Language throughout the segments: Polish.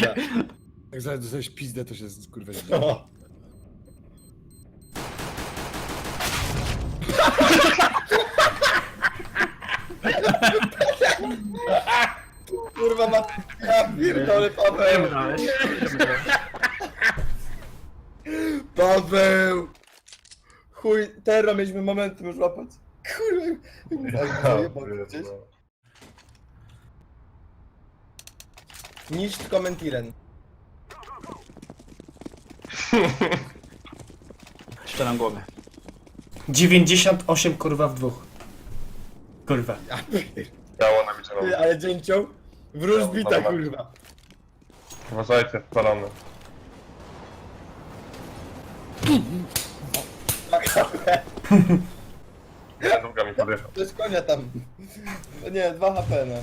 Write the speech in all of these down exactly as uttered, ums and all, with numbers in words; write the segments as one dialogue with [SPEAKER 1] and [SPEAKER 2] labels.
[SPEAKER 1] pizda.
[SPEAKER 2] Jak zaraz dostajesz pizdę, to się kurwa zdziwi.
[SPEAKER 1] No. Kurwa ma... Ja pierdolę, Paweł! Paweł! Chuj, teraz mieliśmy momenty już łapać. Kurwa, jak zajebał gdzieś. Niszcz komentiren.
[SPEAKER 3] Szczelam głowę.
[SPEAKER 4] dziewięćdziesiąt osiem kurwa w dwóch. Kurwa.
[SPEAKER 1] Ja
[SPEAKER 5] Biało na wieczorem.
[SPEAKER 1] pierdolę, ale dzięcioł. Wróżbita, kurwa.
[SPEAKER 5] Uważajcie, spalony. Druga mi podjechał.
[SPEAKER 1] To jest konia tam. No nie, dwa H P, no.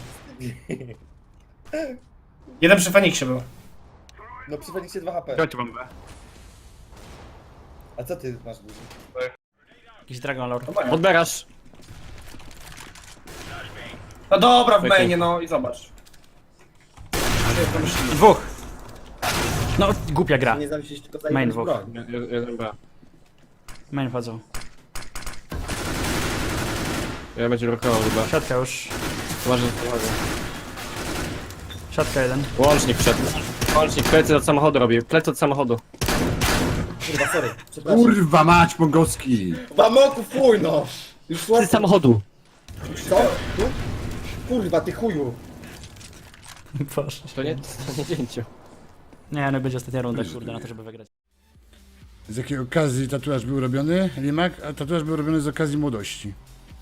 [SPEAKER 4] Jeden przy Feniksie był.
[SPEAKER 1] No przy Feniksie dwa H P.
[SPEAKER 3] Chodź bombę.
[SPEAKER 1] A co ty masz duży?
[SPEAKER 3] Jakiś Dragon Lord. Odbierasz.
[SPEAKER 4] No dobra, w mainie, no i zobacz.
[SPEAKER 3] Dwóch. No, głupia gra.
[SPEAKER 1] Nie zamyślisz tylko
[SPEAKER 3] Main
[SPEAKER 1] zajmować
[SPEAKER 3] dwóch.
[SPEAKER 1] broń.
[SPEAKER 6] Jeden B.
[SPEAKER 3] Main wchodzą.
[SPEAKER 6] Ja będzie rokował chyba.
[SPEAKER 3] Siatka już.
[SPEAKER 6] Uważaj, uważaj.
[SPEAKER 3] Siatka jeden.
[SPEAKER 6] Łącznik wszedł. Łącznik, plecy od samochodu robię. Plecy od samochodu.
[SPEAKER 1] Kurwa, sorry. Przepraszam.
[SPEAKER 2] Kurwa mać, Mongolski!
[SPEAKER 1] Wamoku, fuj no! Już
[SPEAKER 6] Plecy
[SPEAKER 1] słabo.
[SPEAKER 6] samochodu.
[SPEAKER 1] Co? Tu? Kurwa, ty chuju.
[SPEAKER 3] Boże.
[SPEAKER 6] To nie, to nie dzięcio.
[SPEAKER 3] Nie, no będzie ostatnia runda, kurde, na to, żeby wygrać.
[SPEAKER 2] Z jakiej okazji tatuaż był robiony, Limak? A tatuaż był robiony z okazji młodości.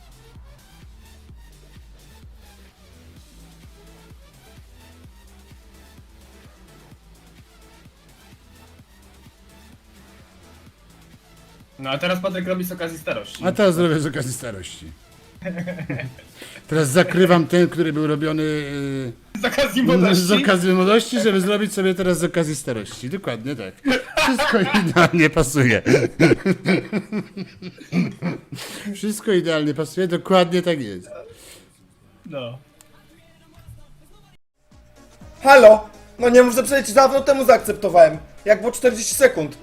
[SPEAKER 7] No a teraz Patryk robi z okazji starości.
[SPEAKER 2] A teraz zrobię z okazji starości. Teraz zakrywam ten, który był robiony yy,
[SPEAKER 7] Z okazji
[SPEAKER 2] z
[SPEAKER 7] młodości.
[SPEAKER 2] okazji młodości, żeby zrobić sobie teraz z okazji starości. Dokładnie tak. Wszystko idealnie pasuje. Wszystko idealnie pasuje, dokładnie tak jest.
[SPEAKER 7] No.
[SPEAKER 1] Halo! No nie mów, że przecież dawno temu zaakceptowałem. Jak było czterdzieści sekund.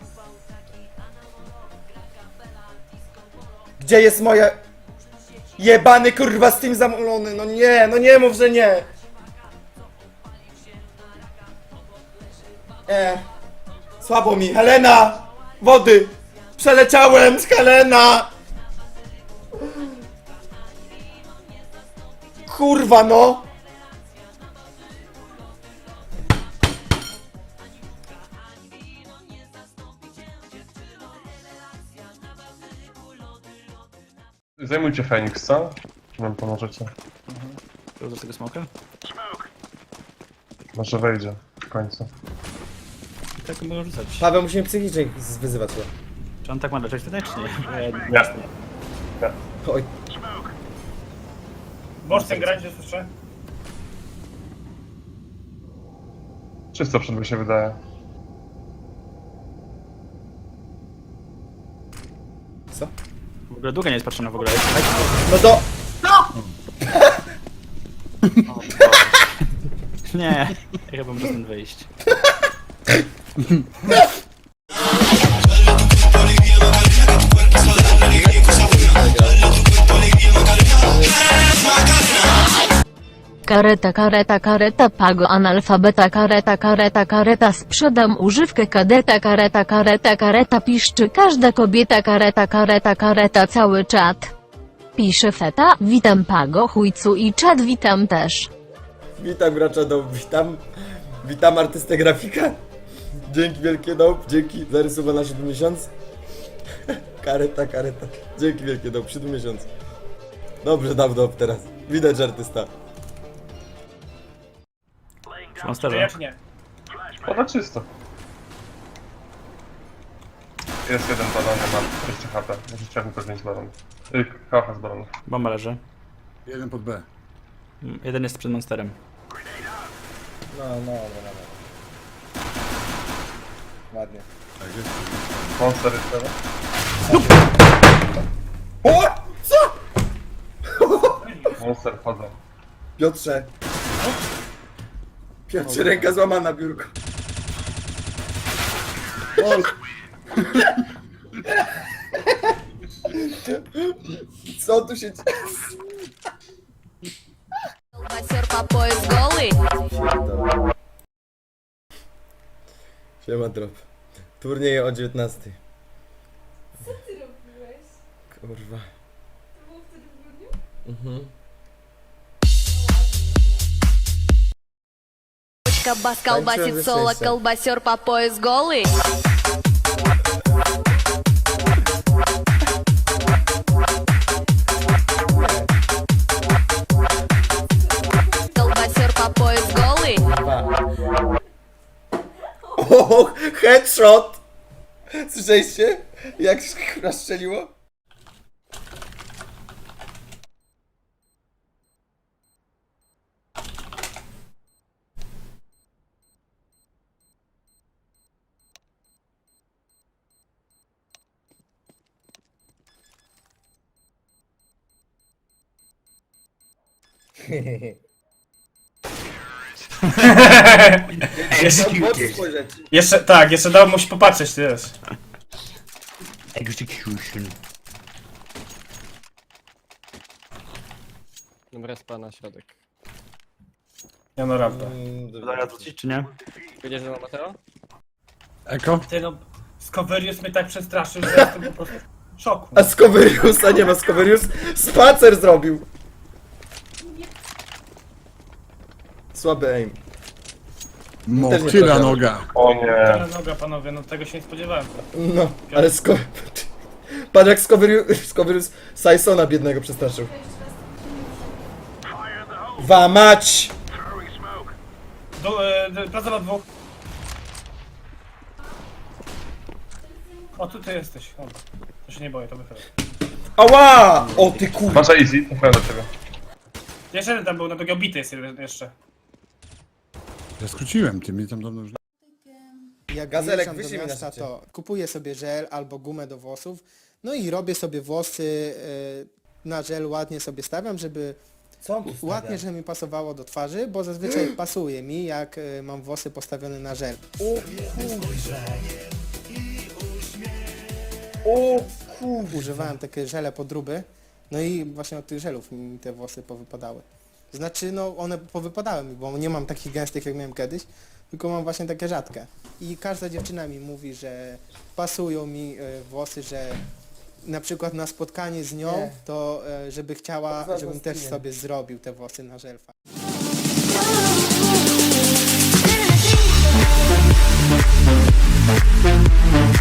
[SPEAKER 1] Gdzie jest moje... Jebany kurwa Steam zamulony, no nie, no nie mów, że nie. E. Słabo mi, Helena! Wody! Przeleciałem z Helena! Kurwa no!
[SPEAKER 5] Zajmujcie Feniks, co? Czy nam pomożecie?
[SPEAKER 3] Do tego smoka?
[SPEAKER 5] Może wejdzie w końcu.
[SPEAKER 3] I tak mogę rzucać.
[SPEAKER 1] Paweł, musimy psychicznie wyzywać go.
[SPEAKER 3] Czy on tak ma leżeć tutaj, czy nie?
[SPEAKER 5] Nie.
[SPEAKER 1] Oj.
[SPEAKER 7] Możesz ten grać, że słyszę?
[SPEAKER 5] Czysto przed mi się wydaje.
[SPEAKER 1] Co?
[SPEAKER 3] W ogóle długa nie jest patrzona w ogóle.
[SPEAKER 1] No to...
[SPEAKER 3] Nie, ja chyba muszę stąd wyjść.
[SPEAKER 8] Kareta, kareta, kareta, pago, analfabeta, kareta, kareta, kareta, sprzedam używkę kadeta, kareta, kareta, kareta, piszczy każda kobieta, kareta, kareta, kareta, cały czat. Pisze feta, witam pago, chujcu i czat witam też.
[SPEAKER 1] Witam gracza Dope, witam. Witam artystę grafika. Dzięki wielkie Dope, dzięki za rysowę na siódmy miesiąc. Kareta, kareta. Dzięki wielkie Dope, siódmy miesiąc. Dobrze dam Dope teraz. Widać, że artysta.
[SPEAKER 3] Mam
[SPEAKER 7] Czy ja
[SPEAKER 3] sterze.
[SPEAKER 7] czy nie?
[SPEAKER 5] Poda czysto. Jest jeden balon, mam dwieście H P. Może chciałbym podjąć balon. Yy, H P z balonów.
[SPEAKER 3] Bomba leży.
[SPEAKER 2] Jeden pod B.
[SPEAKER 3] Mm, Jeden jest przed monsterem.
[SPEAKER 1] No, no, no, no. no. Ładnie.
[SPEAKER 2] Tak jest.
[SPEAKER 5] Monster jest teraz.
[SPEAKER 1] O! Co?
[SPEAKER 5] Monster wchodzą.
[SPEAKER 1] Piotrze. Piotrze, ręka złamana, biurko.
[SPEAKER 2] O,
[SPEAKER 1] Co tu się dzieje?
[SPEAKER 8] Колбасер по пояс голый.
[SPEAKER 1] Siema, drop. Turnieje o dziewiętnastej.
[SPEAKER 9] Co ty robiłeś?
[SPEAKER 1] Kurwa.
[SPEAKER 9] To było wtedy w grudniu?
[SPEAKER 1] Mhm.
[SPEAKER 8] Бас
[SPEAKER 1] Танцуем
[SPEAKER 8] колбасит
[SPEAKER 1] за
[SPEAKER 8] соло,
[SPEAKER 1] сессию.
[SPEAKER 8] колбасер по пояс голый. Колбасер по пояс голый.
[SPEAKER 1] O, headshot! Słyszeliście? Jak się kurwa strzeliło?
[SPEAKER 4] Jeszcze,
[SPEAKER 1] W oczy spojrzeć.
[SPEAKER 4] jeszcze, tak, jeszcze dałem mu się popatrzeć, ty wiesz.
[SPEAKER 3] Execution.
[SPEAKER 6] Dobra, spa na środek.
[SPEAKER 4] Ja no prawda.
[SPEAKER 1] Mm,
[SPEAKER 3] Zaraz wrócić, czy nie?
[SPEAKER 6] Widzisz, że ma Mateo?
[SPEAKER 2] Eko?
[SPEAKER 4] Ty no, Scoverius mnie tak przestraszył, że jestem po prostu w szoku.
[SPEAKER 1] A Scoveriusa nie ma, Scoverius spacer zrobił! Słaby aim.
[SPEAKER 2] Motyla
[SPEAKER 1] trafiamy.
[SPEAKER 2] noga.
[SPEAKER 5] O nie.
[SPEAKER 4] Ale noga, panowie, no tego się nie spodziewałem.
[SPEAKER 1] No, ale Sco... Patrz jak Scoverius, Scoverius Sysona biednego przestraszył. Wamać!
[SPEAKER 4] Du, e, d- praca na dwóch. O, tu ty jesteś. Dobra. To się nie boję, to wychylę.
[SPEAKER 1] Ała! O ty kur...
[SPEAKER 5] Masz easy, trafiłem do ciebie.
[SPEAKER 4] Jeszcze jeden tam był, na drugi obity jest jeden jeszcze.
[SPEAKER 2] Ja skróciłem, ty mnie tam dawno już...
[SPEAKER 10] Jak
[SPEAKER 1] Gazelek,
[SPEAKER 10] wyjeżdżam do
[SPEAKER 1] wyślij mi na
[SPEAKER 10] miasta,
[SPEAKER 1] szczycie.
[SPEAKER 10] to kupuję sobie żel albo gumę do włosów, no i robię sobie włosy e, na żel, ładnie sobie stawiam, żeby
[SPEAKER 1] Co?
[SPEAKER 10] ładnie, żeby mi pasowało do twarzy, bo zazwyczaj pasuje mi, jak e, mam włosy postawione na żel.
[SPEAKER 1] O kur...
[SPEAKER 10] Używałem takie żele podróby, no i właśnie od tych żelów mi te włosy powypadały. Znaczy, no one powypadały mi, bo nie mam takich gęstych, jak miałem kiedyś, tylko mam właśnie takie rzadkie. I każda dziewczyna mi mówi, że pasują mi e, włosy, że na przykład na spotkanie z nią,
[SPEAKER 1] Nie.
[SPEAKER 10] to e, żeby chciała,
[SPEAKER 1] Kurwa,
[SPEAKER 10] żebym też
[SPEAKER 1] gostynie.
[SPEAKER 10] sobie zrobił te włosy na żelfa.
[SPEAKER 8] Thank you.